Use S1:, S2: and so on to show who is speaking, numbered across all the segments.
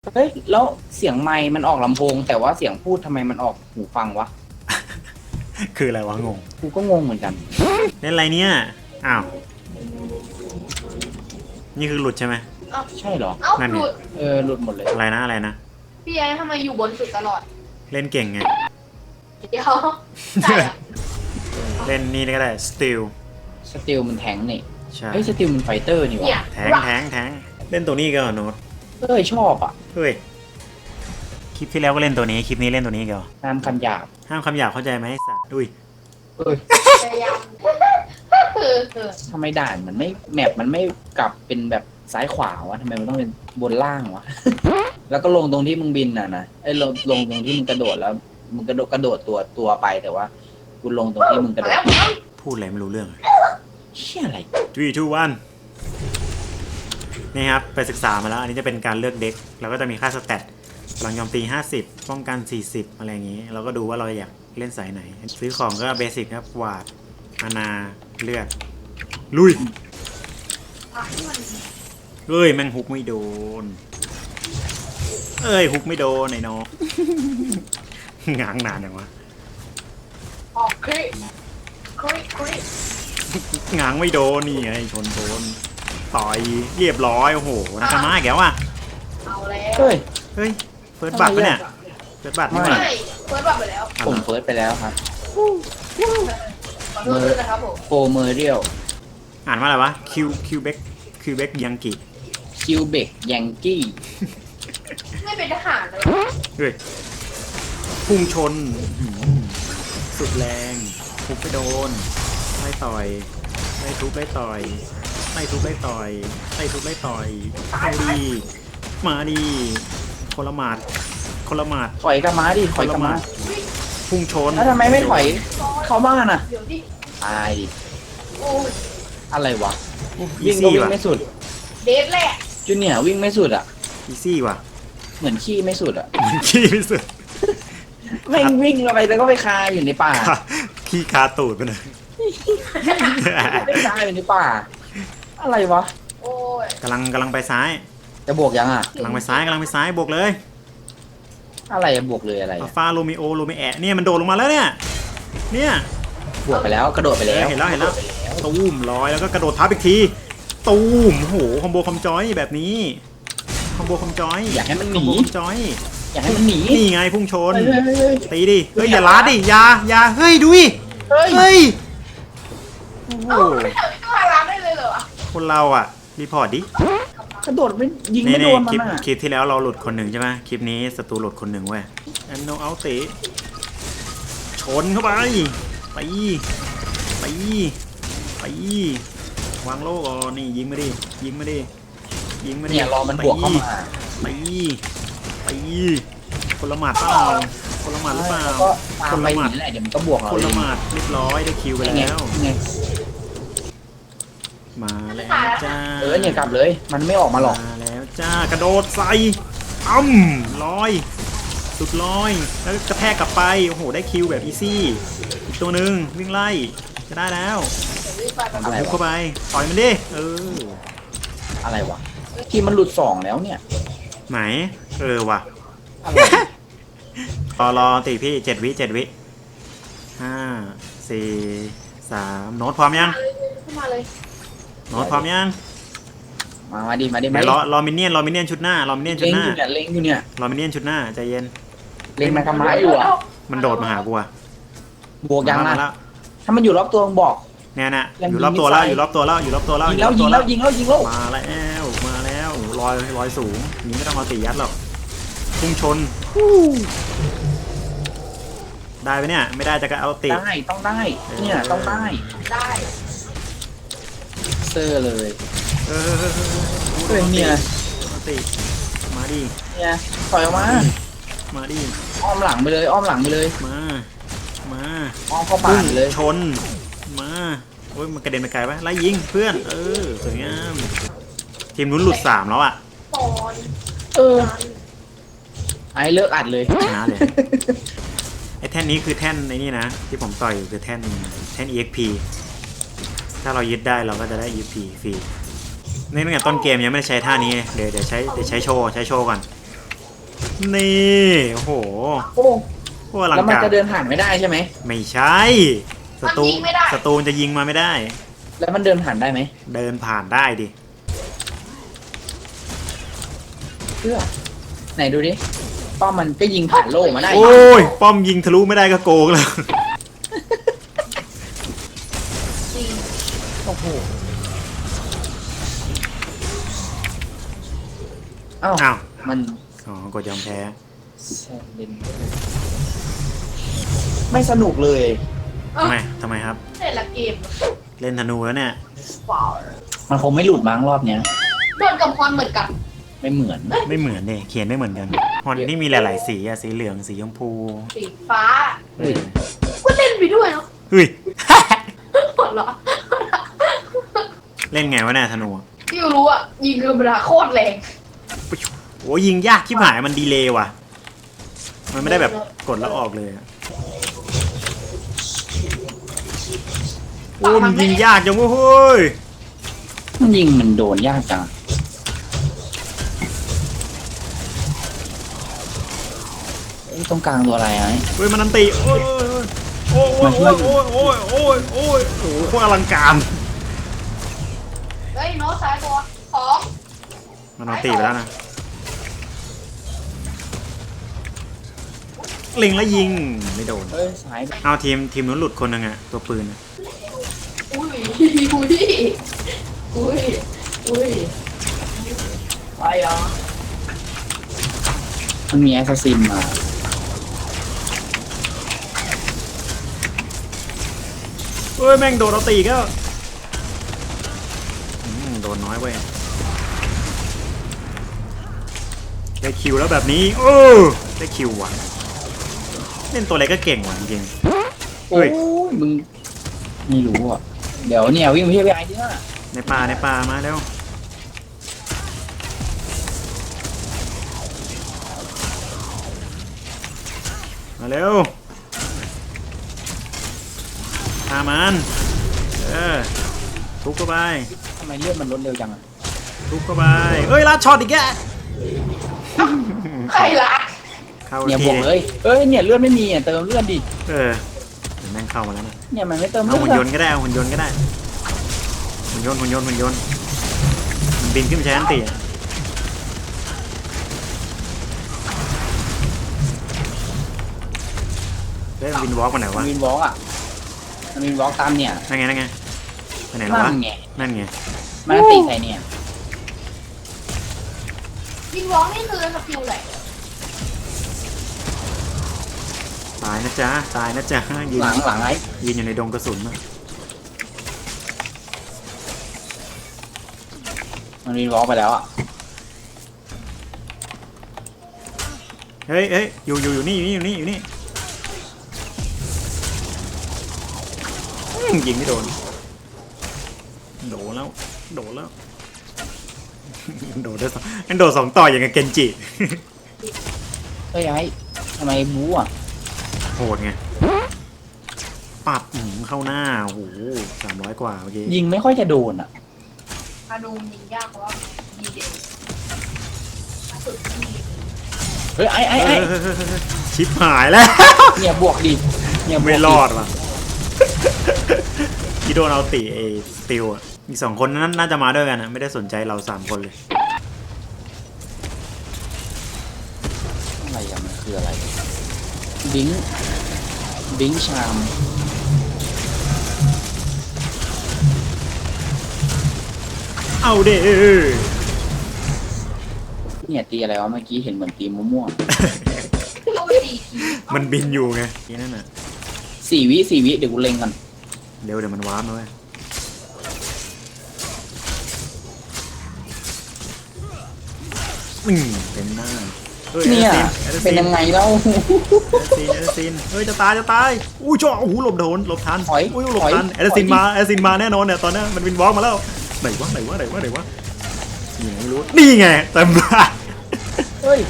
S1: เฮ้ยแล้วเสียงไมค์มันออกลำโพงแต่ว่าเสียงพูดทำไมมันออกหูฟังวะ
S2: คืออะไรวะงง
S1: กูก็งงเหมือนกัน
S2: เล่นอะไรเนี่ยอ้าวนี่คือหลุดใช่ไหม
S3: เอ้า
S1: ใช่เหรอ
S3: เอ้า
S2: นั่นไง
S3: หลุด
S1: หลุดหมดเลย
S2: อะไรนะอะไรนะ
S3: พี่ไอ้ทำไมอยู่บนสุดตลอด
S2: เล่นเก่งไง
S3: เดี๋ยวใช่อะ
S2: เล่นนี่ก็ได้สติล
S1: สติลมันแทงนี่
S2: ใช่
S1: เฮ้ยสติลมันไฟเตอร์นี่
S3: เนี่
S1: วะ
S3: ย
S2: แทงเล่นตัวนี้ก็โน้ต
S1: เฮ้ยชอบอ่ะ
S2: เฮ้ยคลิปที่แล้วก็เล่นตัวนี้คลิปนี้เล่นตัวนี้ก็
S1: น้ำคำหยาบ
S2: ห้ามคำหยาบเข้าใจไหมไอ้สัตว์อุ้ย
S1: เอ้ย
S3: พยายาม
S1: ทำไมด่านมันไม่แมปมันไม่กลับเป็นแบบซ้ายขวาวะทำไมมันต้องเป็นบนล่างวะ แล้วก็ลงตรงที่มึงบินน่ะนะลงตรงที่มึงกระโดดแล้วมึงกระโดดตัวไปแต่ว่ากูลงตรงที่มึงกระโดด
S2: พูดอะไรไม่รู้เรื่อง
S1: เชี่ยอะไร
S2: 3 2 1นี่ครับไปศึกษามาแล้วอันนี้จะเป็นการเลือกเด็กเราก็จะมีค่าสแตทพลังโจมตี50ป้องกัน40อะไรอย่างนี้เราก็ดูว่าเราอยากเล่นสายไหนซื้อของก็เบสิกครับกวาดอาณาเลือดลุยเอ้ยแม่งฮุกไม่โดนเอ้ยฮุกไม่โดนไอ้น้อง ง้างนานอย่างวะ
S3: ออกคลิคลิ
S2: ง้างไม่โดนนี่ไงชนโดนต่อยเรียบร้อยโอ้โหนักมาอีกแล้วอ่ะ
S3: เอาแล้ว
S1: เฮ้ย
S2: เฮ้ยเฟิร์สบัตรปะเนี่ยเฟิร์สบัตรนี่หว่า
S3: ใช่เฟิร์สบัตรไปแล้ว
S1: ผมเฟิร์สไปแล้วครับ
S3: ขอโทษด้วยนะครับผม
S1: โฟเมอร์เรียล
S2: อ่านว่าอะไรวะคิวเบกยังกิ
S1: คิวเบกยังกี้
S3: ไม่เป็นทหารเลย
S2: เฮ้ยพุ่งชนอื้อหือสุดแรงทุบไปโดนไล่ต่อยไล่ทุบไล่ต่อยไล่ทุบไล่ต่อยไล่ทุบไล่ต่อยเอาดีมาดีคนละหมาดคนละหมาด
S1: ถอยกลับมาดิถ
S2: ค
S1: อย
S2: น
S1: กลั
S2: ละ
S1: บ
S2: ห
S1: มา
S2: มาดพุ่งชน
S1: แล้วทำไมไม่ถอยเข้าบ้านอ่ะ
S3: เดี๋ยวดิ
S1: ตายดิ
S3: โอ้ย
S1: อะไรวะ
S2: อี
S1: วิ่งก็
S2: ซี่
S1: วิ่ง
S2: ว่ะ
S1: ไม่สุด
S3: เดทแหละ
S1: จูเนียร์วิ่งไม่สุดอ่ะ
S2: อีซี่ว่ะ
S1: เหมือนขี้ไม่สุดอ่ะ
S2: ขี้ที่สุด
S1: แม่งวิ่งเราไปแล้วก็ไปคาอยู่ในป่า
S2: ขี้คาตูดไปเลย
S1: ไม่คาอยู่ในป่า อะไรวะ
S3: โอ้ย
S2: กำลังไปซ้าย
S1: จะบวกยังอ่ะ
S2: กำลังไปซ้ายบวกเลย
S1: อะไรอะบวกเลยอะไร
S2: อัล
S1: อะ
S2: ฟาโรมิโอโรมิแอะเนี่ยมันโดดลงมาแล้วเนี่ย
S1: บวกไปแล้วกระโดดไปแล้ว
S2: เห็นแล้วตูมลอยแล้วก็กระโดดทับอีกทีตูมโอ้โหคอมโบคอมจอยแบบนี้คอมโบคอมจอย
S1: อยากให้มันห
S2: คอม
S1: นี
S2: โบคอมจอย
S1: อยากให้มันหนี
S2: นี่ไงพุ่งชน
S1: เฮ้ยเฮ้ยเฮ้ย
S2: ตีดิเฮ้ยอย่าล้าดิอย่าเฮ้ยดูดิ
S1: เฮ้ย
S2: เฮ้ยโอ้โห
S3: เอ้าไม่ทำให้ตัวร้านได้เลยเหรอ
S2: คนเราอ่ะรีพอร์ตดิ
S1: กระโดดไม่ยิง
S2: นี่
S1: ไม่โดน
S2: คลิป
S1: มันอ่ะ
S2: คลิปที่แล้วเราหลุดคนหนึ่งใช่ไหมคลิปนี้ศัตรูหลุดคนหนึ่งเว้ยแอนโนเอาตีชนเข้าไปไปวางโล่ก่อนนี่ยิงมาดิ
S1: เนี่ยรอมันบวกเข้ามา
S2: ไปคนละหมาดเปล่าคนละหมาดหรือเปล่า
S1: แล้วก็ตามไปหนีแหละเดี๋ยวมันก็บวกเรา
S2: คนละหมาดเรียบร้อยได้คิวไป
S1: ยังไง
S2: แล้ว
S1: ยังไง
S2: มาแล้วจ้า
S1: เนี่ยกลับเลย มันไม่ออกมาหรอก
S2: มาแล้วจ้ากระโดดใส่ลอยสุดลอยแล้วกระแทกกลับไปโอ้โหได้คิวแบบอีซี่อีกตัวหนึ่งวิ่งไล่จะได้แล้ว
S1: อะไร
S2: บุก
S1: วะ
S2: เข้าไปต่อยมันดิ
S1: อะไรวะทีมมันหลุดสองแล้วเนี่ย
S2: ไหนว่ะ
S1: อะไร
S2: รอตีพี่7 วิ5 4 3โน้ตพร้อมยัง
S3: ขึ้นมาเลย
S2: โน้ตพร้อมยัง
S1: มาดิ
S2: เดี๋ยวรอมินเนี่ยนชุดหน้ารอมินเนี่ยนชุ
S1: เล็
S2: ด
S1: ง
S2: หน้า
S1: อยู่เนี่ยเล็งอยู่เนี่ย
S2: รอมินเนี่ยนชุดหน้าใจเย็น
S1: เล็งมากระมาอยู่อ่ะ
S2: มันโดดมาหากูอะ
S1: บวกยัง
S2: มา
S1: นะ
S2: แล้ว
S1: ถ้ามันอยู่รอบตัวมึงบอก
S2: เนี่ยนะ
S1: ยัง
S2: อยู่รอบตัวแล้ว
S1: มี
S2: อยู่รอบตัวแล้ว
S1: ยิงแล้ว
S2: มาแล้วลอยสูงนี่ไม่ต้องเอาตียัดหรอกพุ่งชนได้ไหมเนี่ยไม่ได้จะก็เอาตี
S1: ได้ต้องได้เนี่ยต้องได้
S3: ได้
S1: เซอร์เลย
S2: เออ
S1: เฮ้ยเนี่ย
S2: เอาตีมาดิ
S1: เนี่ยถอยออกมา
S2: มาดิ
S1: อ้อมหลังไปเลยอ้อมหลังไปเลย
S2: มา
S1: อ้อมเข้าป่าไปเลย
S2: ชนมาโอ้ยมันกระเด็นไปไกลปะไล่ยิงเพื่อนสวยงามทีมนู้นหลุด3แล้วอ่ะ
S3: ปอน
S1: เออไอ้เลิกอัดเลย
S2: ชนะเลย ไอ้แท่นนี้คือแท่นในนี่นะที่ผมต่อยอยู่คือแท่น EXP ถ้าเรายึดได้เราก็จะได้ EXP ฟรีในตั้งแต่ต้นเกมยังไม่ได้ใช้ท่านี้เดี๋ยวใช้โชว์ก่อนนี่โอ้โห
S1: โอ้
S2: พวกอลัง
S1: แล้วมัน
S2: การ
S1: จะเดินผ่านไม่ได้ใช่ไหม
S2: ไม่ใช่ศัตรูจะยิงมาไม่ได้
S1: แล้วมันเดินผ่านได้ไหม
S2: เดินผ่านได้ดิ
S1: เพื่อไหนดูดิป้อมมันก็ยิงผ่านโล่มาได้
S2: โอ้ยป้อมยิงทะลุไม่ได้ก็โกงแล้ว
S3: จริง
S1: โอ้โหอ้าว
S2: อ้าว
S1: มัน
S2: อ๋อกดยอมแพ้
S1: ไม่สนุกเลย
S2: ทำไมครับ
S3: เล่นละเกม
S2: เล่นธนูแล้วเนี่ย
S3: เปล่า
S1: มันคงไม่หลุดมั้งรอบเนี้ย
S3: โดนกับพรเหมือนกัน
S1: ไม่เหมือน
S2: ไม่เหมือนเนี่ยเขียนไม่เหมือนกันฮอนนี่มีหลายๆสีอะสีเหลืองสีชมพู
S3: สีฟ้า
S2: เออ
S3: ก็เล่นไปด้วยเนาะ
S2: เฮ้ย
S3: หัวเราะ
S2: เล่นไงวะเนี่ยธนู
S3: ที่รู้อ่ะยิงธรรมดาโคตรแรง
S2: โอ้ยิงยากที่หายมันดีเลย์ว่ะ มันไม่ได้แบบกดแล้วออกเลยอะโอ้มันยิงยากจังเว้ยเฮ้ย
S1: มันยิงมันโดนยากจังตรงกลางตัวอะไรไอ้
S2: เฮ้ยมันอันติโอ้ยโอ้ยโอ้ยโอ้ยโอ้ยโอ้ยโอ้ยโอ้ยโอ้โหโคตรอลังการ
S3: เฮ้ยโน้ตซ้ายตัวสอง
S2: มันอันติไปแล้วนะเล็งแล้วยิงไม่โดน
S1: เอ้ยสาย
S2: เอาทีมนู้นหลุดคนหนึงอะตัวปืนอะ
S3: อุ้ยอุ้ยอุ้ยอุ้ย
S1: ไปอ่ะมันมีแอสซัสซินมา
S2: เฮ้ยแม่งโดนเราตีก็โดนน้อยเว้ยได้คิวแล้วแบบนี้โอ้ได้คิวว่ะเล่นตัวอะไรก็เก่งว่ะจริง
S1: โอ้ยมึงไม่รู้อ่ะเดี๋ยวเนี่ยวิ่งไปที่ไอ้ที่น่ะ
S2: ๆในป่ามาแล้วมาเร็วฆ่ามันทุบเข้าไป
S1: ทำไมเลือดมันลดเร็วจังอ่ะ
S2: ทุบเข้าไปเอ้ยลัดช็อตอีกแก
S3: ใครละ
S2: เข้า
S1: เนี่ยบ
S2: ที
S1: วกเลยเอ้ยเนี่ยเลือดไม่มีอ่ะเติมเลือดดิ
S2: เดี๋ยวแม่งเข้ามาแล้วนะ
S1: เนี่ยมันไม่เติม
S2: เอา
S1: เลือ
S2: หุ่น
S1: ด
S2: ยนต์ก็ได้เอาหุ่นยนต์ก็ได้หุ่นยนต์มันบินขึ้นไปใช้อันตีอะเฮ้ยมันบินวอล์กมาไหน
S1: มั
S2: วะ
S1: นวินวอล์กอ่ะมันวินวอล์กตามเนี่ย
S2: นั่นไงไปไหนแล้ว
S1: นั่
S2: วะ
S1: นไง
S2: นั่นไง
S1: มันตีใครเนี่ย
S3: ยิงวองนี่คือสกิลไหน
S2: ตายนะจ๊ะยืน
S1: หลังไอ้
S2: ยืนอยู่ในดงกระสุนอะ
S1: มันวินวอล์กไปแล้วอ่ะ
S2: เฮ้ยอยู่นี่ยิงไม่โดนโดนแล้วโดนได้สองมันโดดสองต่ออย่างกับเกนจิ
S1: เฮ้ยไอ้ทำไมบู๊อ่ะ
S2: โหดไงปับเข้าหน้าโอ้โห300 กว่าเมื่อกี้
S1: ยิงไม่ค่อยจะโดนอ่ะ
S3: อาดูยิงยากเพราะว่าดีเด่นสุดที่
S1: เฮ้ยไอ้
S2: เฮ้ยชิปหายแล้ว
S1: เนี่ยบวกดิเนี่ยบวกดิ
S2: ไม่รอดว่ะพี่โดนเอาตีไอ้สติลอ่ะอีก2 คนนั้นน่าจะมาด้วยกันนะไม่ได้สนใจเรา3 คนเลย
S1: อะไรอ่ะมันคืออะไรบิงชาม
S2: เอาเด้
S1: เนี่ยตีอะไรวะเมื่อกี้เห็นเหมือนตีม่วง
S3: ก็ดี
S2: มันบินอยู่ไงทีนั่นน่ะ
S1: ๆ4 วิเดี๋ยวกูเล็งกัน
S2: เดี๋ยวมันวาร์ปมาเว้ยเต็มหน้าฮ้
S1: เนี่ย
S2: แอดซิ
S1: เป็นยังไงแล้ว
S2: แอดซินเฮ้ยจะตายอุ้ยจ่อโอ้โหหลบทัน
S1: ถอย
S2: อุ้ยหลบ
S1: ถอย
S2: ทันแอดซิน
S1: ถอย
S2: มาแอดซินมาแน่นอนเนี่ยตอนนี้มันวินวอล์กมาแล้วไหนวะยังไม่รู้นี่ไงเต็มบ้าน
S1: เฮ้ย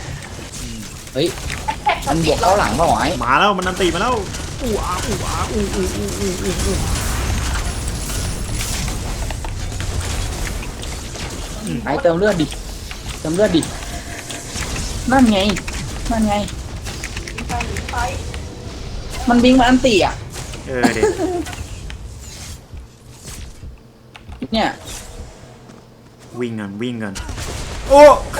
S1: มันบวกเข้าหลังเปล่าวะไอ้
S2: มาแล้วมันนันตีมาแล้วอู้
S1: ไอ้เติมเลือดดินั่นไงนั่นไง
S3: ไปหรือไป
S1: มันบิงมาอันตีอ่ะ
S2: เด็ก
S1: เนี่ย
S2: วิ่งกันโอ้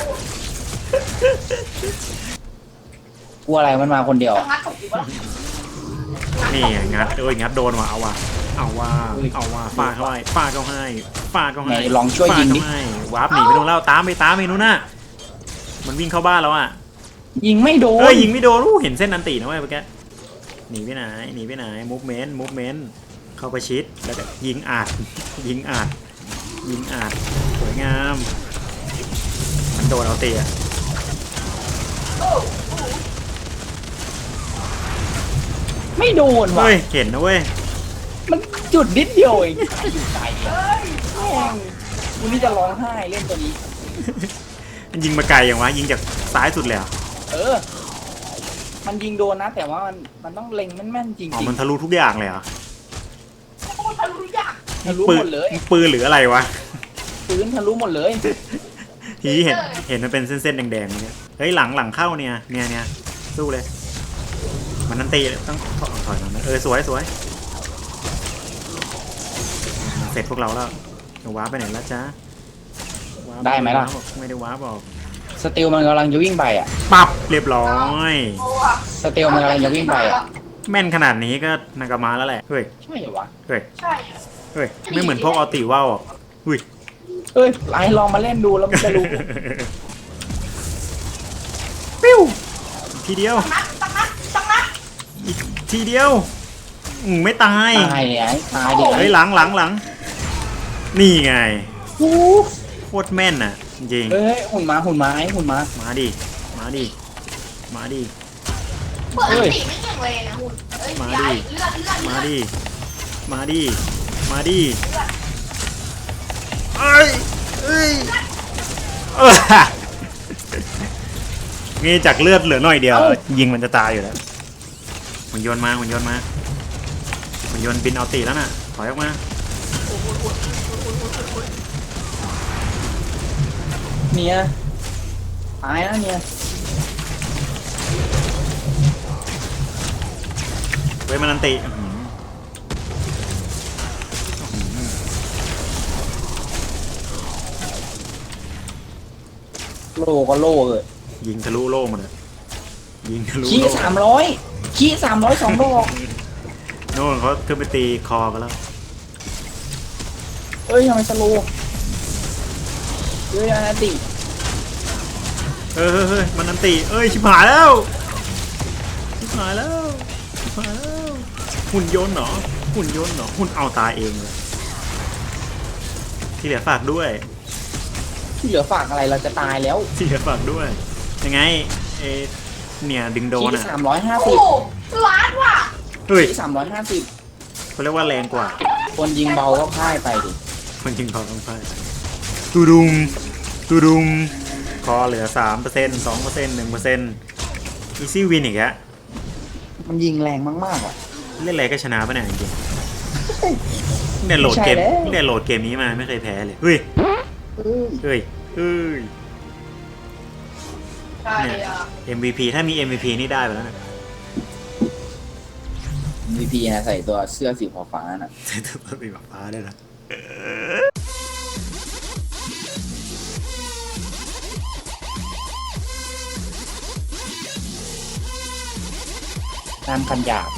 S1: กลัวอะไรมันมาคนเดียว
S3: จะงัดของกูวะ
S2: นี่งัดโดนว่ะเอาว่ะฟาดเข้าให้ฟาดเข้าให้
S1: ไหนลองช่วยยิงดิ
S2: ฟาดเข้าให้วาร์ปหนีไปนู่นแล้วตามไปนู่นน่ะมันวิ่งเข้าบ้านแล้วอ่ะ
S1: ยิงไม่โดน
S2: ยิงไม่โดนเห็นเส้นอันตีนะเว้ยเมื่อกี้หนีไปไหนมูฟเมนต์เข้าประชิดแล้วก็ยิงอัดสวยงามมันโดนเอาเตะ
S1: ไม่โดนว่ะ
S2: เฮ้ยเห็นนะเว้ย
S1: มันจุดนิดเดียวเองอยู่ไกลอ่ะแม่งกูนี่จะร้องไห้เล่นตัวนี้
S2: มันยิงมาไกลอย่างวะยิงจากซ้ายสุดเลยเหรอ
S1: มันยิงโดนนะ แต่ว่ามันต้องเล็งแม่นๆจริง
S2: อ๋อ
S1: ๆ
S2: มันทะลุทุกอย่างเลยเหรอ
S3: โคตรทะลุยาก
S1: ทะลุ
S2: ปื
S1: ห
S2: น
S1: มดเลย
S2: ปืนหรืออะไรวะ
S1: พื้นทะลุหมดเลย
S2: ทีเห็นมันเป็นเส้นๆแดงๆเนี่ยเฮ้ยหลังเข้าเนี่ยสู้เลยมันนั่นตีต้องถอยมันสวยเสร็จพวกเราแล้วว้าไปไหนแล้วจ๊ะ
S1: ได้ไหมล่ะ
S2: ไม่ได้ว้าบอก
S1: สติลมันกำลังจะวิ่งไปอ่ะ
S2: ปับเรียบร้อย
S3: โอ้อะ
S1: สติลมันกำลังจะวิ่งไปอ่ะ
S2: แม่นขนาดนี้ก็นากามาแล้วแหละเฮ้ย
S1: ใช่เหรอวะ
S3: ใช่
S2: ไม่เหมือนพวกออติว่าวอ่ะอุ้ย
S1: เอ้ยไอ้ลองมาเล่นดูแล้วมันจะรู้
S2: ปิ้วทีเดียว
S3: ตั้งนัด
S2: อีกทีเดียวไม่ตาย
S1: ตายไอ้ตายดิ
S2: เฮ้ยหลังนี่ไง
S1: โอ้
S2: โคตรแม่นน่ะจริง
S1: เฮ้ยหุ่นมาไอ้หุ่นมา
S2: มาดิ
S3: เปิดอันตีไม่เก่งเลยนะหุ่นเอ้ยย้ายเลือด
S2: มาดิเอ้ยนี่จากเลือดเหลือหน่อยเดียวยิงมันจะตายอยู่แล้วหุ่นยนต์บินเอาตีแล้วน่ะถอยออกมา
S1: เนี่ยตายนะเนี่ย
S2: เว้ยมันอันติ
S1: โลก็โลเลย
S2: ยิงทะลุโล่หมดเลยยิงทะลุ
S1: ขี้
S2: โล่
S1: 300ขี้300 2 ดอก
S2: โน่นเขาขึ้นไปตีคอกันแล้ว
S1: เอ้ยทำไมสโลว์เฮ้ยอานาติ
S2: เฮ้ยมันอันติชิบหายแล้วหุ่นยนต์เหรอหุ่นเอาตายเองเลยที่เหลือฝากด้วย
S1: ที่เหลือฝากอะไรเราจะตายแล้ว
S2: ที่เหลือฝากด้วยยังไงเนี่ยดึงโดน
S1: ขี้
S2: อ่ะ
S3: โอ้ล้านว่ะ
S2: เฮ้ย
S1: ขี้350
S2: เขาเรียกว่าแรงกว่า
S1: คนยิงเบาก็พ่ายไปดิ
S2: คนยิงเขาต้องพ่ายตูดุงคอเหลือ 3% 2% 1%อีซี่วินอีกแล้ว
S1: มันยิงแรงมากๆอ่ะ
S2: เล่นอะไรก็ชนะปะเนี่ยจริงๆเนี่ยโหลดเกมนี้มาไม่เคยแพ้เลยเฮ้ย
S3: ใช่อะ
S2: MVP ถ้ามี MVP นี่ได้ไปแล้วนะ
S1: MVP นะใส่ตัวเสื้อสีฟ้าๆน่ะ
S2: ใส่ตัวสีฟ้าได้นะ
S1: น้ำคันหยาบ